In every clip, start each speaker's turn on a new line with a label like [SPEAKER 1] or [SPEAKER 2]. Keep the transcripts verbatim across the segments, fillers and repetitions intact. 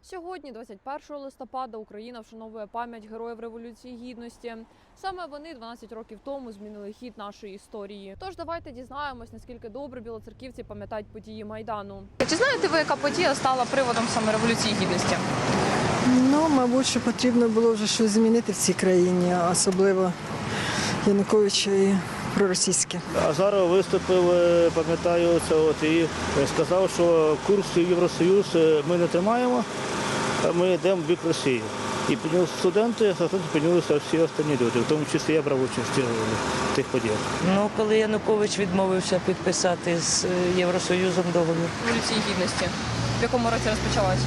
[SPEAKER 1] Сьогодні, двадцять першого листопада, Україна вшановує пам'ять героїв Революції Гідності. Саме вони дванадцять років тому змінили хід нашої історії. Тож давайте дізнаємось, наскільки добре білоцерківці пам'ятають події Майдану. Чи знаєте ви, яка подія стала приводом саме Революції Гідності?
[SPEAKER 2] Ну, мабуть, що потрібно було вже щось змінити в цій країні, особливо Януковича і проросійське.
[SPEAKER 3] А зараз виступив, пам'ятаю, це от і сказав, що курс в Євросоюз ми не тримаємо, а ми йдемо в бік Росії. І піднялися студенти, а студенти піднялися всі останні люди, в тому числі я брав участь в тих подіях.
[SPEAKER 4] Ну, коли Янукович відмовився підписати з Євросоюзом договір.
[SPEAKER 1] Революції Гідності. В якому році розпочалася?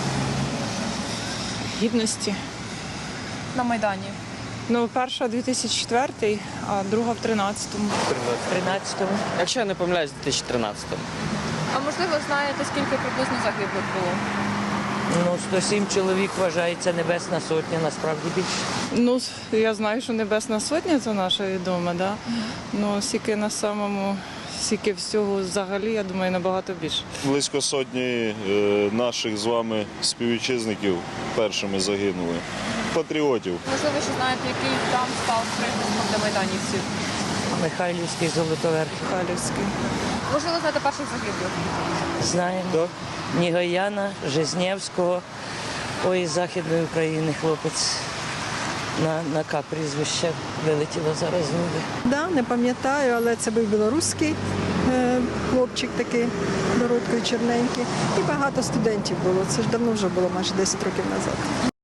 [SPEAKER 5] Гідності.
[SPEAKER 1] На Майдані.
[SPEAKER 5] Ну, перша дві тисячі четвертий, а друга в тринадцятому.
[SPEAKER 4] тринадцятому.
[SPEAKER 6] Якщо я не помиляюсь, дві тисячі тринадцятому.
[SPEAKER 1] А можливо, знаєте, скільки приблизно загиблих було?
[SPEAKER 4] Ну, сто сім чоловік вважається Небесна Сотня, насправді більше.
[SPEAKER 5] Ну, я знаю, що Небесна Сотня це наша відома, да? Ну, скільки на самому, скільки всього взагалі, я думаю, набагато більше.
[SPEAKER 7] Близько сотні е, наших з вами співвітчизників першими загинули. Патріотів.
[SPEAKER 1] Можливо, що знаєте, який там став прихистком для майданівців?
[SPEAKER 4] Михайлівський, Золотоверхів.
[SPEAKER 5] Халівський.
[SPEAKER 1] Можливо, знаєте перших загиблих?
[SPEAKER 4] Знаємо.
[SPEAKER 3] Так.
[SPEAKER 4] Нігояна, Жизнєвського, ой, з Західної України хлопець. На, на К прізвище вилетіло зараз з води.
[SPEAKER 2] Да, не пам'ятаю, але це був білоруський е, хлопчик такий, бородкою чорненький. І багато студентів було. Це ж давно вже було, майже десять років назад.